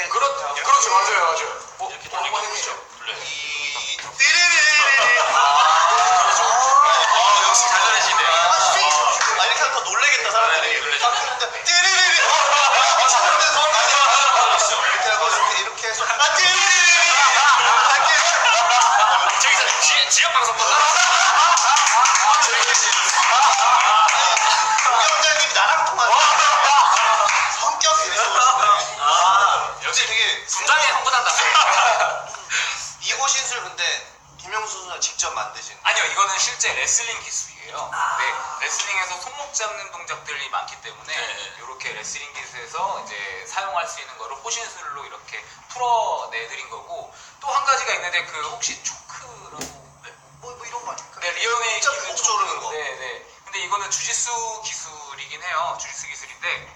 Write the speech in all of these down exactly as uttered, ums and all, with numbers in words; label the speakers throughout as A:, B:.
A: 이렇게.
B: 그렇,
A: 이렇게.
B: 그렇죠, 맞아요, 맞아요. 어,
C: 이렇게
B: 어, 한번
C: 돌리고
B: 해보시죠.
C: 돌려요.
A: 이
C: 아, 역시 잘 잘하시네.
A: 아, 세게 쳐주시고.
D: 아 이렇게 하면 더 놀래겠다 사람들이.
C: 네,
D: 딱 했는데 띠리리리. 아 사람들 더 많이 알았어. 이렇게 하고 이렇게 이렇게 해서 아 띠리리리.
C: 저기서 지, 지역 방송 끝나?
D: 공영장님 나랑 통하네. 성격이 좋으시네.
C: 아,
D: 역시 되게
C: 분장에 흥분한다.
D: 이호신술 근데 김영수 선수가 직접 만드신.
B: 아니요, 이거는 실제 레슬링 기술이에요.
A: 아.
B: 네, 레슬링에서 손목 잡는 동작들이 많기 때문에
C: 네.
B: 이렇게 레슬링 기술에서 이제 사용할 수 있는 거를 호신술로 이렇게 풀어내드린 거고, 또 한 가지가 있는데 그 혹시 초크라고
A: 뭐, 뭐 이런 거 아닙니까?
B: 네, 리어네이
A: 진짜
B: 기술
A: 목
D: 조르는 거.
B: 네, 네. 근데 이거는 주짓수 기술이긴 해요. 주짓수 기술인데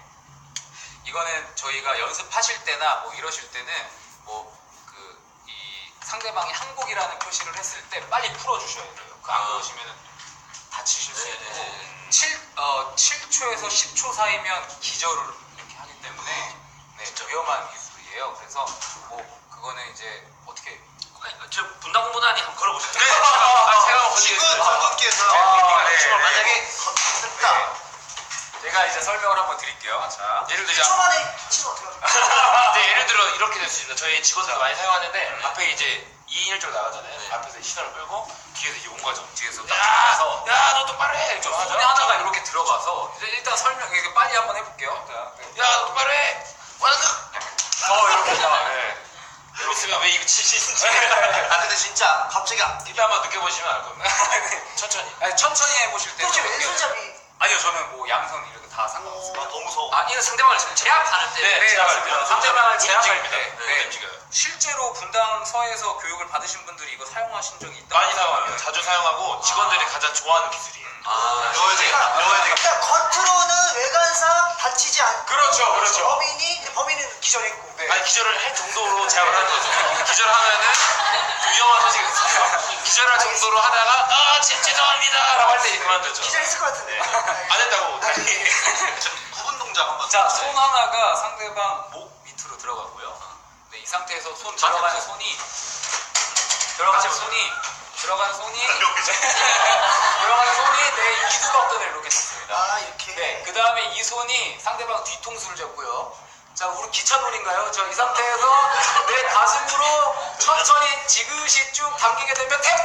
B: 이거는 저희가 연습하실 때나 뭐 이러실 때는 뭐 그 이 상대방이 항복이라는 표시를 했을 때 빨리 풀어주셔야 돼요. 그 안
C: 아.
B: 그러시면 다치실 수
C: 네,
B: 있고
C: 네.
B: 칠, 어, 칠 초에서 십 초 사이면 기절을 이렇게 하기 때문에 네,
C: 진짜.
B: 위험한 기술이에요. 그래서 뭐 그거는 이제 어떻게
C: 저 분당 공보다니 한번 걸어보시죠.
B: 네, 제가, 제가
D: 친구
B: 건드리겠습니다.
D: 전국기에서
B: 아, 네,
D: 네,
B: 네.
D: 만약에 됐다.
B: 네. 제가 이제 설명을 한번 드릴게요. 자,
C: 예를
A: 일
C: 들자.
A: 초 만에 치면 어떡합니까?
C: 네, 예를 들어 이렇게 될 수 있습니다. 저희 직원들 많이 사용하는데
B: 음.
C: 앞에 이제 이 인 일 조로 나가잖아요.
B: 네.
C: 앞에서 시선을 끌고 뒤에서 이제 온 거죠.
B: 뒤에서 딱
C: 야,
B: 들어가서
C: 야, 너 똑바로 해. 이렇게
B: 손에
C: 하죠.
B: 하나가 이렇게 들어가서 이제 일단 설명 이렇게 빨리 한번 해볼게요. 자, 네.
C: 야, 너 똑바로 해. 완전.
B: 어 이렇게 자, 네.
C: 이러고 있으면 왜 이거 치시는지.
D: 아 근데 진짜 갑자기
C: 이때 한번 느껴보시면 알 겁니다. 천천히.
B: 아니, 천천히 해보실 때는
A: 그렇죠,
B: 이렇게-
A: 왼손잡이.
B: 아니요, 저는 뭐 양손 이렇게 다 상관없습니다.
D: 아, 너무 무서워.
C: 아, 이거 상대방을 제압하는 때.
B: 네,
C: 제압할
B: 맞습니다.
C: 때.
B: 상대방을
C: 못
B: 제압할
C: 움직입니다.
B: 때.
C: 네,
B: 네.
C: 못 움직여요.
B: 실제로 분당서에서 교육을 받으신 분들이 이거 사용하신 적이 있다.
C: 많이 사용합니다. 자주 사용하고 직원들이 가장 좋아하는 기술이에요.
B: 아,
D: 배워야 되겠다. 배워야 되겠다.
A: 그러니까 겉으로는 외관상 다치지 않고.
B: 그렇죠, 그렇죠.
A: 범인이, 근데 범인은 기절했고.
B: 네.
C: 아니 기절을 할 정도로 제압을 하는 거죠. 기절하면은 좀 위험한 소식이 있어요. 기절할 정도로 하다가 아 제, 죄송합니다 라고 할 때 그만두죠.
A: 기절했을 것 같은데.
C: 안 했다고 다시.
D: 구분 동작 한번.
B: 자, 손 하나가 상대방 목 밑으로 들어가고요. 네, 이 상태에서 손 들어가는 손이 들어가는 손이 들어가는 손이 들어가는 손이 내 이두박근을 이렇게 잡습니다.
A: 아, 이렇게.
B: 네, 그 다음에 이 손이 상대방 뒤통수를 잡고요. 자, 우리 기차놀인가요? 저 이 상태에서 내 가슴으로 천천히 지그시 쭉 당기게 되면 탭탭탭.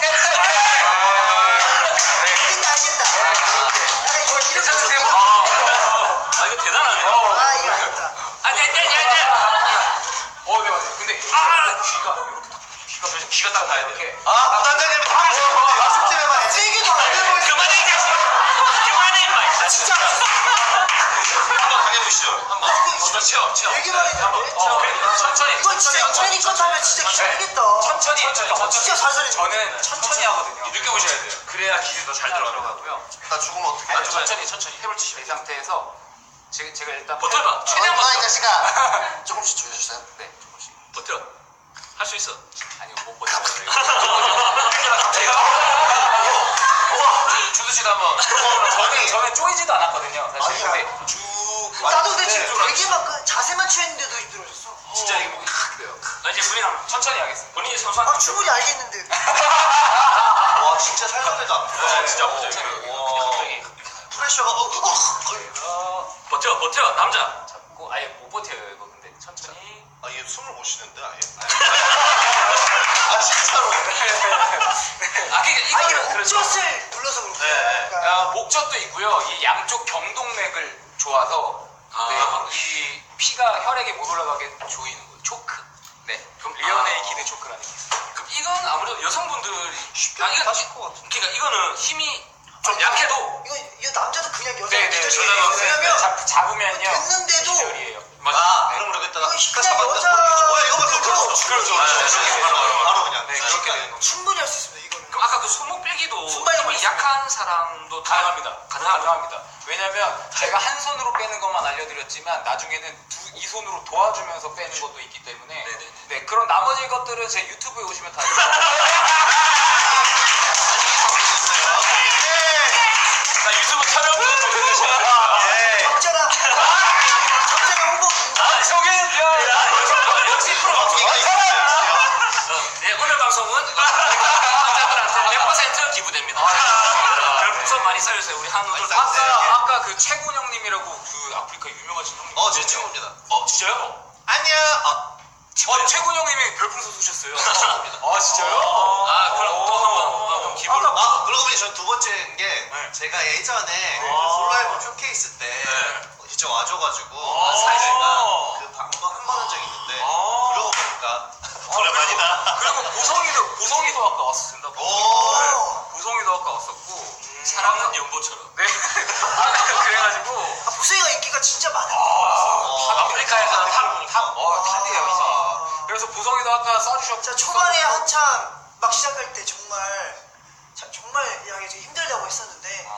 A: 알겠다, 알겠다. 아, 이거 이렇게.
B: 괜찮으세요?
C: 아 이거 대단하네.
A: 아, 이거 알겠다.
B: 아, 네, 네, 네, 네. 어, 네, 맞아요. 근데 아, 귀가 이렇게 딱
C: 귀가 그래서 귀가 딱 나야 돼요.
B: 이렇게.
D: 아 부단장님 말씀 좀 해봐.
A: 세게 더 알고
C: 그만해 이 자식. 그만해 임마.
A: 진짜.
D: 한번 당해보시죠. 한번.
C: 어, 치워 치워.
A: 얘기만 했는데.
B: 어, 그래. 천천히.
A: 이거 진짜
B: 천천히,
A: 연예인 것 하면 진짜 기절하겠다.
B: 천천히.
A: 저 진짜 살살해.
B: 저는 천천히 하거든요.
C: 느껴보셔야 돼요. 그래야 기술이 더 잘 들어가요.
B: 들어가고요.
D: 나 죽으면 어떡해?
B: 아니, 천천히 천천히 해볼 이 상태에서 제가, 제가 일단
C: 버텨봐. 최대한
D: 얼마 이
C: 버텨.
D: 자식아. 조금씩 조여주세요.
B: 네, 조금씩.
C: 버텨. 할 수 있어.
B: 아니요, 못 버텨요.
C: 제가 주두씨도 한번.
B: 저는 저는 쪼이지도 않았거든요, 사실.
A: 아니야.
B: 근데
D: 쭉.
A: 나도 근데
D: 네.
A: 지금 되게 막 그 자세만 취했는데도 힘들어졌어.
C: 진짜 이게 목이 칵 돼요. 나 이제 본인 한번
B: 천천히 하겠습니다.
C: 본인이 선수한.
A: 아, 충분히 알겠는데.
D: 와 진짜 살살해도 아프다.
C: 네, 진짜 아프죠.
D: 와.
C: 갑자기.
D: 프레셔가 어, 어, 어.
B: 어,
C: 버텨 버텨 남자.
B: 잡고 아예 못 버텨요, 이거. 근데 천천히.
D: 아, 얘 숨을 못 쉬는데 아예? 아 진짜로.
C: 아 그러니까
A: 아, 이게
C: 이거는 그렇죠.
A: 목젖을 눌러서 그런 거야.
D: 네.
A: 그러니까
B: 아, 목젖도 있고요. 이 양쪽 경동맥을 조아서
C: 아.
B: 네, 이 피가 혈액에 못 올라가게 조이는 거예요. 초크. 네, 그럼 리어네이 키드 초크라는 게 있어요.
C: 그럼 이건 아무래도 여성분들이
D: 쉽게
C: 아, 이건
D: 하실 것 같은데.
C: 그러니까 이거는 힘이 좀 약해도
A: 이거 이거 남자도 그냥 여자
B: 네, 네,
A: 기절이에요.
C: 여자가
A: 왜냐면
B: 잡, 잡으면요.
A: 됐는데도
B: 기절이에요.
D: 아
B: 네.
D: 그럼 그러겠다.
A: 이거
D: 피가
A: 그냥
D: 잡았다.
A: 여자
D: 뭐야 이거 봐.
A: 그렇죠.
D: 그렇죠.
C: 아,
D: 그렇죠.
C: 네,
D: 바로
C: 네,
D: 바로 그냥.
B: 네,
D: 순식간에.
B: 그렇게 되는 겁니다.
A: 충분히 할 수 있습니다. 이거는.
C: 그럼 아까 그 손목 빼기도
A: 손발이
C: 힘이 약한 사람도 다
B: 가능합니다.
C: 가능하다.
B: 가능합니다. 왜냐면 제가 한 손으로 빼는 것만 알려드렸지만 나중에는 두, 이 손으로 도와주면서 빼는 것도 있기 때문에
C: 네네네.
B: 네, 그런 나머지 것들은 제 유튜브에 오시면 다 있어요.
C: 나 유튜브 촬영도 보내주세요.
D: 예.
A: 적잖아. 적잖아 홍보.
B: 아, 저게 야,
C: 여성 알려주세요. 우리 한우들
D: 아니,
C: 다
B: 아까
D: 네.
B: 아까 그 최군 형님이라고 그 아프리카 유명하신 형님.
D: 어, 제 친구입니다.
C: 어 진짜요?
D: 안녕. 아,
B: 어, 최군 형님이 별풍선 쏘셨어요.
D: 친구입니다.
B: 아 진짜요?
C: 아 그럼 또 한번 아, 그럼 기부를
D: 아, 그러고 보니 전 두 번째인 게
B: 네.
D: 제가 예전에
B: 네.
D: 그 솔로 앨범 쇼케이스 때
C: 네.
D: 직접 와줘가지고
C: 아,
D: 사이즈가 그 방법 한번 한 적이 있는데
B: 아.
D: 그러고 보니까
B: 아,
D: 오랜만이다.
B: 그리고 보성이도 보성이도 아까 왔었습니다.
D: 오.
B: 보성이도 아까 왔었고.
C: 사랑은 연보처럼.
B: 네. 아, 그래가지고.
A: 아, 보성이가 인기가 진짜 많아.
B: 아,
C: 아프리카에서는 탑, 탑.
B: 어, 탑이에요, 이제.
A: 아.
B: 그래서 보성이도 아까 쏴주셨고.
A: 진짜 초반에 한참 막 시작할 때 정말 자, 정말 하기 좀 힘들다고 했었는데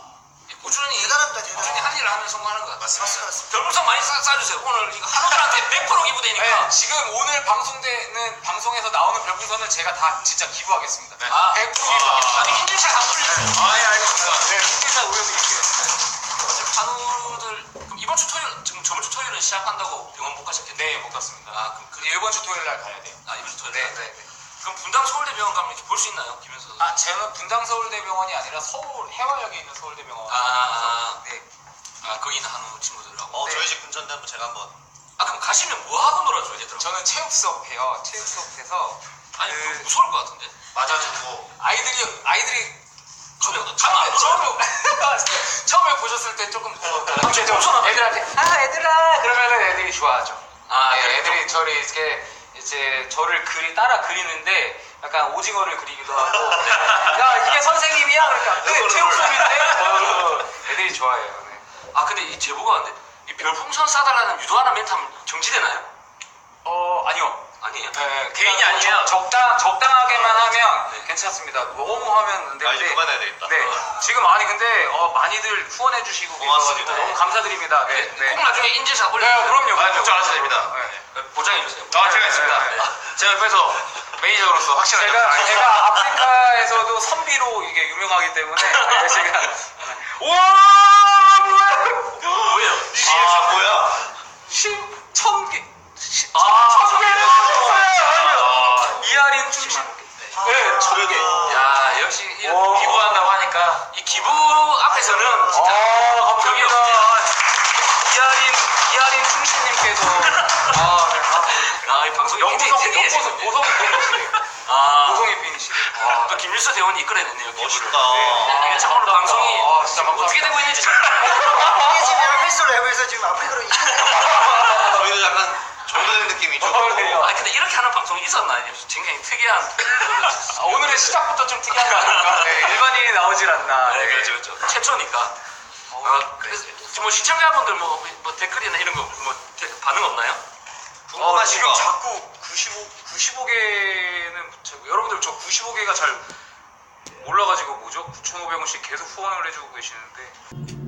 C: 꾸준히
A: 대단합니다, 대단해.
C: 꾸준히 한 일을 하면 성공하는 것 같아요.
A: 맞습니다, 맞습니다.
C: 별풍선 많이 쏴, 쏴주세요. 오늘 이거 한우들한테 백 퍼센트 기부되니까.
B: 네, 지금 오늘 방송되는 방송에서 나오는 별풍선은 제가 다 진짜 기부하겠습니다.
C: 네. 아,
B: 백 퍼센트
C: 아,
B: 기부하겠습니다.
C: 아니 인증샷 한번 올려주세요.
B: 아, 예, 알겠습니다. 네, 인증샷 올려드릴게요.
C: 어차피 한우들 그럼 이번 주 토요일 지금 저번 주 토요일은 시합한다고 병원 못 가셨겠네.
B: 네, 못 갔습니다.
C: 아 그럼 그
B: 이번 주 토요일 날 가야 돼요.
C: 아 이번 주 토요일.
B: 네,
C: 날.
B: 네, 네.
C: 그럼 분당 서울대병원 가면 이렇게 볼 수 있나요, 김현수 선수?
B: 아, 저는 분당 서울대병원이 아니라 서울 해화역에 있는 서울대병원.
C: 아, 아,
B: 네.
C: 아 거기 있는 한우 친구들하고.
D: 어,
B: 네.
D: 저희 집 근처인데 한번 제가 한번
C: 아 그럼 가시면 뭐 하고 놀아줘야 되더라고.
B: 저는 체육 수업 해요. 체육 수업해서
C: 아니
B: 그-
C: 그 무서울 것 같은데.
D: 맞아주고
B: 아이들이 아이들이
C: 가면
B: 처음에
C: 가면
B: 처음에 처음에 보셨을 때 조금
C: 아, 좀 무서워.
B: 애들한테 아 애들아 그러면은 애들이 좋아하죠.
C: 아,
B: 네,
C: 그래,
B: 애들이 저를 이렇게 이제 저를 그리 따라 그리는데 약간 오징어를 그리기도 하고 야 이게 선생님이야 그러니까 네 체육 수업인데 어, 애들이 좋아해요. 네.
C: 아 근데 이 제보가 왔는데 이 별풍선 쏴달라는 유도하는 멘트 하면 정지되나요?
B: 어 아니요.
C: 아니에요.
B: 네,
C: 개인이
B: 그냥
C: 아니면
B: 적, 적당 적당하게만 하면
C: 네.
B: 괜찮습니다. 너무 하면 안
D: 아, 이제
B: 되는데.
D: 그만해야 되겠다.
B: 네, 지금 아니 근데 어, 많이들 후원해 주시고
D: 고맙습니다.
B: 계셔가지고 너무 감사드립니다. 네,
C: 네,
B: 네.
C: 꼭 나중에 인증샷
B: 네,
C: 올려주세요.
B: 그럼요.
C: 아,
B: 그럼요.
C: 걱정하셔도 됩니다.
B: 네.
C: 보장해 주세요.
B: 아, 제가 있습니다.
C: 네, 네.
B: 제가 옆에서 매니저로서 확실하게 제가 제가 아프리카에서도 선비로 이게 유명하기 때문에 네, 제가 와 뭐야
C: 뭐예요?
D: 이 리액션 뭐야?
B: 십천 개
C: 아,
B: 천 개를 하셨어요.
C: 아,
B: 이하린 출신 네, 천 개.
C: 야 역시 이
B: 와.
C: 기부한다고 하니까 이 기부 앞에서는 진짜
B: 아,
C: 격이
B: 감사합니다.
C: 없지.
B: 이하린 이하린 충신님께서 아, 네.
C: 아, 이 방송이 굉장히
B: 영보성
C: 특이해
B: 영보성
C: 지금.
B: 보성이 팬이시래요.
C: 아,
B: 보성이 팬이시래요.
C: 아, 또 김일수 대원이 이끌어냈네요. 기부를.
D: 멋있다.
C: 네. 이게 참 오늘 방송이
B: 아, 진짜
C: 지금 어떻게
B: 감사합니다.
C: 되고 있는지 잘
A: 이게 지금 약간 횟수 랩에서 지금 아프리카로 이끌려.
D: 저희도 약간 정도된 느낌이죠.
B: 어, 네.
C: 아니 근데 이렇게 하는 방송이 있었나? 굉장히 특이한.
B: 아, 오늘의 시작부터 좀 특이한 거 아닌가? 네, 일반인이 나오질 않나.
C: 네, 그렇죠, 그렇죠. 최초니까. 아, 그래서 지금 뭐 시청자분들 뭐, 뭐 댓글이나 이런 거 뭐 반응 없나요?
B: 어,
D: 궁금하신
B: 지금
D: 거.
B: 자꾸 구십오, 구십오 개는 여러분들 저 구십오 개가 잘 몰라가지고 뭐죠? 구천오백 원씩 계속 후원을 해주고 계시는데